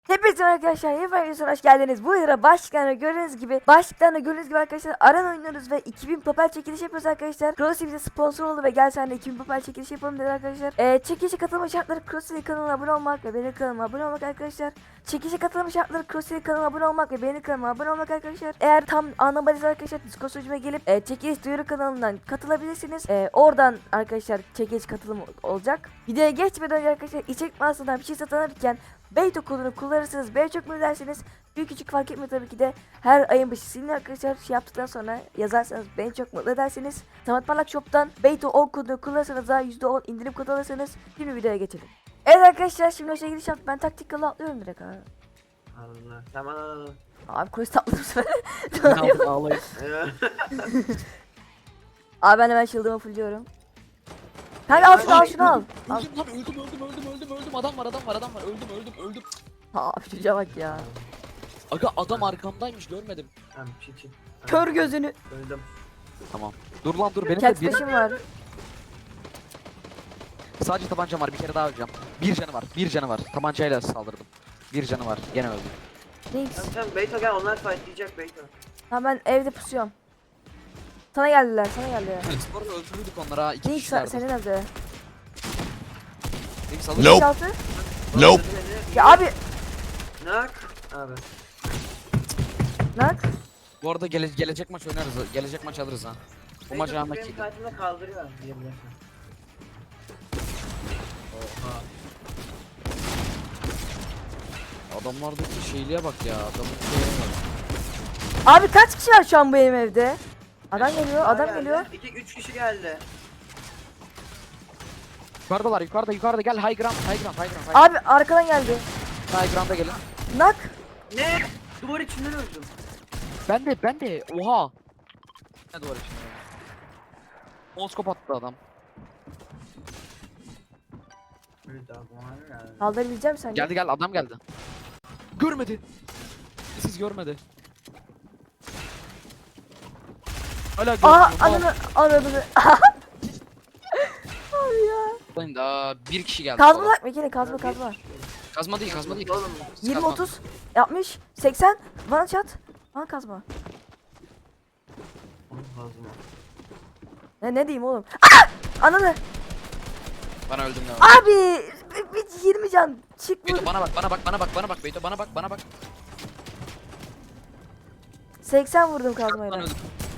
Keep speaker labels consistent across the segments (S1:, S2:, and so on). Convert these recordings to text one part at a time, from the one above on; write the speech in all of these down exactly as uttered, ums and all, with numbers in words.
S1: Hepinize arkadaşlar yeni videosuna hoş geldiniz. Bu yara başlıklarına gördüğünüz gibi başlıklarına gördüğünüz gibi arkadaşlar Aran oynuyoruz ve iki bin papel çekiliş yapıyoruz arkadaşlar. Crossy bize sponsor oldu ve gel sen de iki bin papel çekiliş yapalım dedi arkadaşlar. Ee, çekilişe katılma şartları Crossy kanalına abone olmak ve benim kanalıma abone olmak arkadaşlar. Çekilişe katılma şartları Crossy kanalına abone olmak ve benim kanalıma abone olmak arkadaşlar. Eğer tam anlamadıysanız arkadaşlar Discord sunucuma gelip e, çekiliş duyuru kanalından katılabilirsiniz. E, oradan arkadaşlar çekiliş katılımı olacak. Videoya geçmeden önce arkadaşlar içerik mağazasından bir şey satın alırken Beyto kodunu kullanırsanız beni çok mutlu edersiniz. Büyük küçük fark etmiyor tabii ki de. Her ayın başı sizin arkadaşlar şey yaptıktan sonra yazarsanız beni çok mutlu edersiniz. Samat Parlak Shop'tan Beyto on kodunu kullanırsanız daha yüzde on indirim kodu alırsanız. Şimdi videoya geçelim. Evet arkadaşlar şimdi şey giriş yaptım. Ben taktik yolu atlıyorum direkt abi.
S2: Allah tamam.
S1: Abi kolis tatlı bu sefer.
S3: Ağlayın.
S1: Abi ben hemen shield'ımı fullliyorum. Kanka al şunu al şunu al. Al.
S3: Öldüm lan öldüm öldüm öldüm öldüm öldüm adam var adam var adam var öldüm öldüm öldüm.
S1: Abi çocuğa bak ya.
S3: Aga adam arkamdaymış görmedim.
S2: Tamam çi çi.
S1: Kör gözünü.
S2: Öldüm.
S3: Tamam. Dur lan dur benim de
S1: Cat
S3: bir,
S1: flash'ım var.
S3: sadece tabancam var bir kere daha öleceğim. Bir canı var bir canı var tabancayla saldırdım. Bir canı var gene öldüm.
S1: Neyse.
S2: Tamam tamam Beyto gel onlar fightlayacak Beyto.
S1: Ha ben evde pusuyorum. Sana geldiler sana geldiler.
S3: Sonra öldürdük onları ha iki
S1: Neyse
S3: kişilerdi.
S1: senin adı.
S3: Neyse
S4: Nope.
S3: alırım.
S1: altı.
S4: Nope.
S1: Ya abi.
S2: Nak. Abi.
S1: Nak.
S3: Bu arada gele gelecek maç oynarız gelecek maç alırız ha. Bu maç
S2: Beyto
S3: almak
S2: benim
S3: iyi.
S2: kartımda kaldırıyor diyebilirsin.
S3: Oha. Adamlardaki şeyliğe bak ya adamın şeyine bak.
S1: Abi kaç kişi var şu an bu benim evde? Adam geliyor adam
S2: Geldi.
S1: geliyor.
S2: İki üç kişi geldi.
S3: Yukarıdalar yukarıda yukarıda gel high ground high ground high ground high ground.
S1: Abi arkadan geldi.
S3: High ground'a gelin.
S1: Nak.
S2: Ne? Duvar içinden öldüm.
S3: Ben de ben de oha. Ne duvar içinde? Moskop attı adam.
S2: Öldü abi bana geldi.
S1: Kaldırabileceğim sen.
S3: Geldi geldi adam geldi. Görmedi. Siz görmedi. Hala görmüyor.
S1: Aa ananı ananı. Abi ya.
S3: Oğlum daha bir kişi geldi.
S1: Kazma
S3: sola.
S1: bak bir kere kazma kazma.
S3: Kazma değil kazma değil.
S2: Oğlum.
S1: yirmi
S3: Kazma.
S1: otuz yapmış seksen bana çat. Bana kazma.
S2: Oğlum kazma.
S1: Ne ne diyeyim oğlum? Aa! Ananı.
S3: Bana öldüm ne var?
S1: Abi bir, bir yirmi can çık
S3: Beyto
S1: vur.
S3: bana bak bana bak bana bak bana bak Beyto bana bak bana bak.
S1: seksen vurdum
S3: Bana
S1: kazmayla.
S3: öldüm.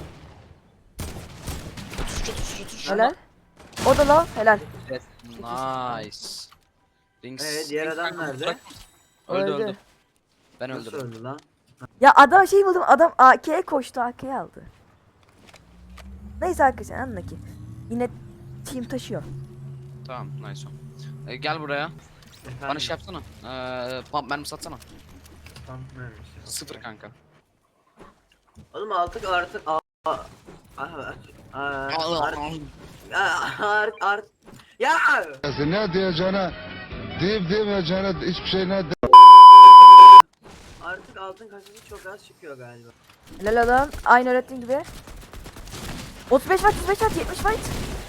S3: Tutuşu tutuşu tutuşu.
S1: Helal. O da lan helal.
S3: Evet, nice. Rings.
S2: Ee, diğer
S3: Rings
S2: adam
S3: kanka,
S2: nerede?
S3: bırak. Öldü
S1: Öldü.
S3: öldü. Ben
S2: Nasıl
S3: öldürdüm.
S2: öldü lan?
S1: Ya adam şey buldum adam A K'ye koştu A K'ye aldı. Neyse arkadaşlar anla ki. Yine team taşıyor.
S3: Tamam nice. Ee, gel buraya.
S2: Efendim?
S3: Bana şey yapsana. Ee, pump mermi satsana.
S2: Tamam, neymiş?
S3: Sıfır kanka.
S2: Oğlum artık artık a a a art art art ya
S4: Ne diyeceğine, deyip demeyeceğine hiçbir şey ne de.
S2: artık altın kasası çok az çıkıyor galiba.
S1: Helal adam. Aynı öğrettiğin gibi. otuz beş fight, otuz beş fight, yetmiş fight.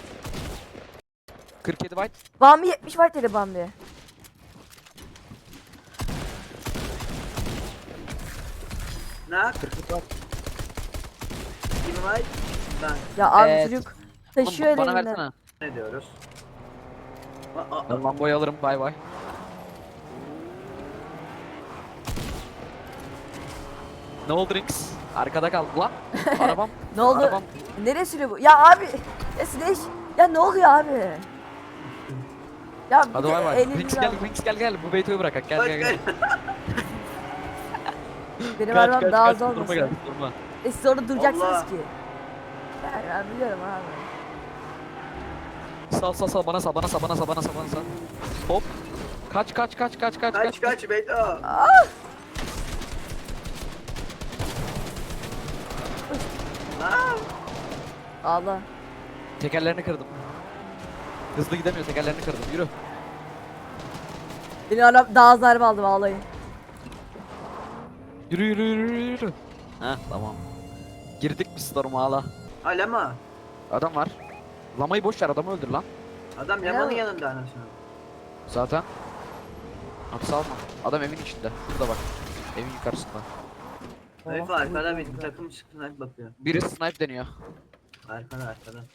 S3: kırk yedi byte.
S1: Bambi yetmiş fight dedi Bambi.
S2: Nak
S3: kırk yedi byte.
S2: kim var? Ben
S1: Ya abi
S3: Evet.
S1: çocuk taşıyor
S3: Oğlum, bana
S1: elinden.
S3: versene.
S2: ne diyoruz? Aa, aa,
S3: Ben Lambo'yu alırım bay bay. Ne oldu Rings? Arkada kaldı lan. Arabam.
S1: Ne oldu?
S3: Arabam.
S1: Nereye sürüyor bu? Ya abi. Ya Slash. Ya ne oluyor abi? Ya bir
S3: Hadi
S1: de
S3: bay bay.
S1: elini
S3: Rings
S1: al.
S3: gel Rings gel gel. Bu Beyto'yu bırak. Gel
S2: bak,
S3: gel gel.
S1: Benim
S3: Kaç,
S1: arabam
S3: kaç,
S1: daha
S3: kaç,
S1: az
S3: durma
S1: olmasın.
S3: gel, durma.
S1: E siz orada duracaksınız
S2: Allah.
S1: ki. Ben, ben biliyorum abi.
S3: Sal sal sal bana sal bana sal bana sal bana sal bana sal. Hop. Kaç kaç kaç kaç kaç
S2: kaç kaç Beyto. Aa,
S1: Allah.
S3: Tekerlerini kırdım. Hızlı gidemiyor tekerlerini kırdım. Yürü.
S1: Benim arabam daha az darbe aldı vallahi.
S3: Yürü yürü yürü yürü. yürü. Heh tamam. Girdik biz storm'a hala.
S2: Alama.
S3: Adam var. Lamayı boş ver adamı öldür lan.
S2: Adam
S1: Ya.
S2: Lama'nın yanında anasını.
S3: Zaten. Hapse alma. Adam evin içinde. Burada bak. Evin yukarısında.
S2: Herif arkada bir takım sniper bakıyor.
S3: Biri snipe deniyor.
S2: Arkada arkada.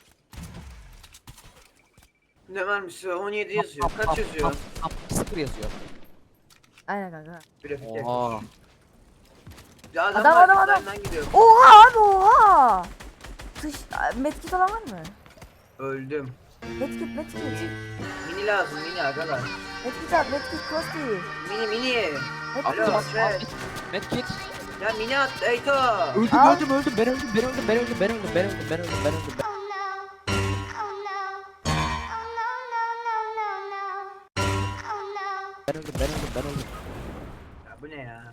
S2: Ne vermiş? on yedi yazıyor. Kaç yazıyor?
S3: Sıfır yazıyor.
S1: Aynen kanka.
S2: Grafik
S3: Oha.
S2: yakmış. Ya adam,
S1: Adam, adam, adam.
S2: arkadan gidiyor.
S1: Oha abi oha. Dış medkit olan var mı?
S2: Öldüm.
S1: Medkit medkit.
S2: Mini lazım mini arkadaş.
S1: Medkit at medkit kosti.
S2: Mini mini.
S1: Medkit.
S2: Alo.
S3: Attım
S2: şey.
S3: attım. Medkit.
S2: Ya mini at Eyto.
S3: Öldüm
S1: Al.
S3: öldüm öldüm. Ben öldüm ben öldüm ben öldüm ben öldüm ben öldüm ben öldüm ben öldüm. Ben-
S5: Oh no. Oh no. Oh no, no, no, no, no. Oh no.
S3: Ben öldüm ben öldüm ben öldüm.
S2: Ya bu ne ya?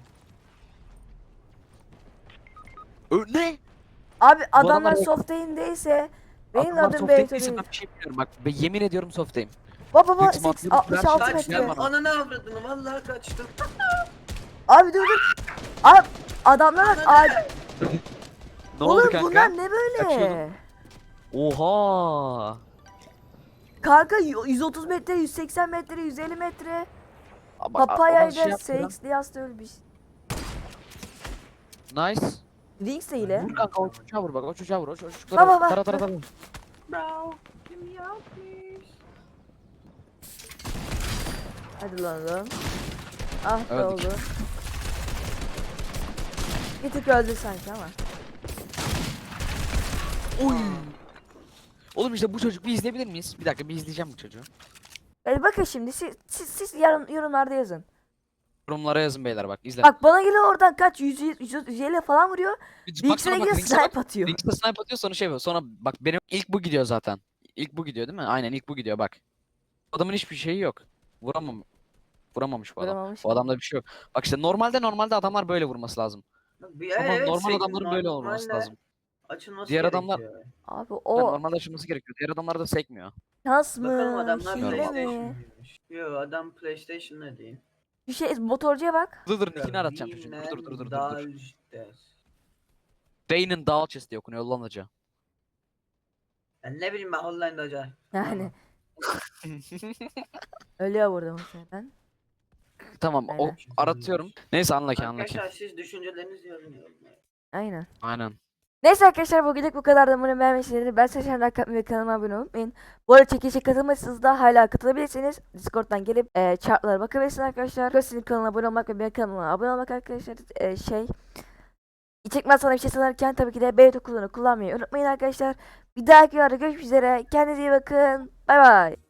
S3: Ö ne?
S1: Abi adamlar
S3: adamlar-
S1: soft aim'deyse benim
S3: Adamlar
S1: adım
S3: soft
S1: Beyto
S3: değilse
S1: değil.
S3: ben bir şey bilmiyorum bak. Ben yemin ediyorum soft'tayım.
S1: Baba baba
S3: Büyük
S1: seks-
S3: ihtimalle
S1: altmış altı
S3: Kaç
S1: metre.
S3: gel
S2: Kaçtım.
S3: bana.
S2: Ananı avradını vallahi kaçtım.
S1: Abi dur dur. Abi adamlar bak abi.
S3: Ne
S1: Oğlum
S3: oldu kanka?
S1: bunlar ne böyle?
S3: Kaçıyordun. Oha.
S1: Kanka y- yüz otuz metre, yüz seksen metre, yüz elli metre.
S3: Ama- ama
S1: Papaya'yla
S3: şey yaptı lan.
S1: Seix Diaz ölmüş.
S3: Nice.
S1: Wings de ile.
S3: Vur kanka o çocuğa vur bak o çocuğa vur o çocuğa vur.
S1: Baba, bak.
S3: Tara tara tara.
S2: Bro. Give me out please.
S1: Hadi lan oğlum. Ah be
S3: Öldük.
S1: oldu. Bir tık öldü sanki ama.
S3: Oy. Oğlum işte bu çocuk bir izleyebilir miyiz? Bir dakika bir izleyeceğim bu çocuğu.
S1: Hadi bakın şimdi siz, siz, siz yarın, yorumlarda yazın.
S3: Yorumlara yazın beyler bak izle.
S1: Bak bana geliyor oradan kaç yüz yüz elli falan vuruyor.
S3: Bir
S1: Wings'e
S3: baksana bak,
S1: gidiyor
S3: Wings'e bak.
S1: snipe atıyor.
S3: Wings'e snipe atıyor sonra şey yapıyor. Sonra bak benim ilk bu gidiyor zaten. İlk bu gidiyor değil mi? Aynen ilk bu gidiyor bak. Adamın hiçbir şeyi yok. Vuramam. Vuramamış bu adam.
S1: Vuramamış
S3: Bu
S1: mı?
S3: adamda bir şey yok. Bak işte normalde normalde adamlar böyle vurması lazım.
S2: Bir,
S3: Ama
S2: evet,
S3: normal
S2: şey,
S3: adamların böyle olması
S2: normalde
S3: lazım.
S2: Açılması
S3: Diğer adamlar-
S2: gerekiyor.
S1: Abi
S3: Yani
S1: o
S3: normalde açılması gerekiyor. Diğer adamlar da sekmiyor.
S1: şans mı?
S2: Bakalım adamlar
S1: Hile
S2: PlayStation
S1: mi?
S2: mıymış? Yo adam PlayStation'da değil.
S1: Bir şey motorcuya bak.
S3: Dur dur nickini aratacağım çocuğun. Dur dur dur dur dur. dur.
S2: Dalştes.
S3: Day'nin Dalchest diye okunuyor lan hoca.
S2: Ya ne bileyim ben Hollanda'da hoca.
S1: Yani. Ölüyor burada muhtemelen.
S3: Tamam o
S1: Aynen.
S3: aratıyorum. Neyse anla ki anla ki.
S2: Arkadaşlar siz düşüncelerinizi yazın yorumlara.
S1: Aynen.
S3: Aynen.
S1: Neyse arkadaşlar bugünlük bu kadar da umarım beğenmişsinizdir. Ben Saşan Rakat ve kanalıma abone olmayı unutmayın. Bu arada çekilişe katılmışsınız da hala katılabilirsiniz. Discord'dan gelip e, chartlara bakabilirsiniz arkadaşlar. Gösterinin kanalına abone olmak ve benim kanalıma abone olmak arkadaşlar. E, şey. İçekmez sana bir şey sanırken tabii ki de Beyto kullanı kullanmayı unutmayın arkadaşlar. Bir dahaki videoda görüşmek üzere. Kendinize iyi bakın. Bay bay.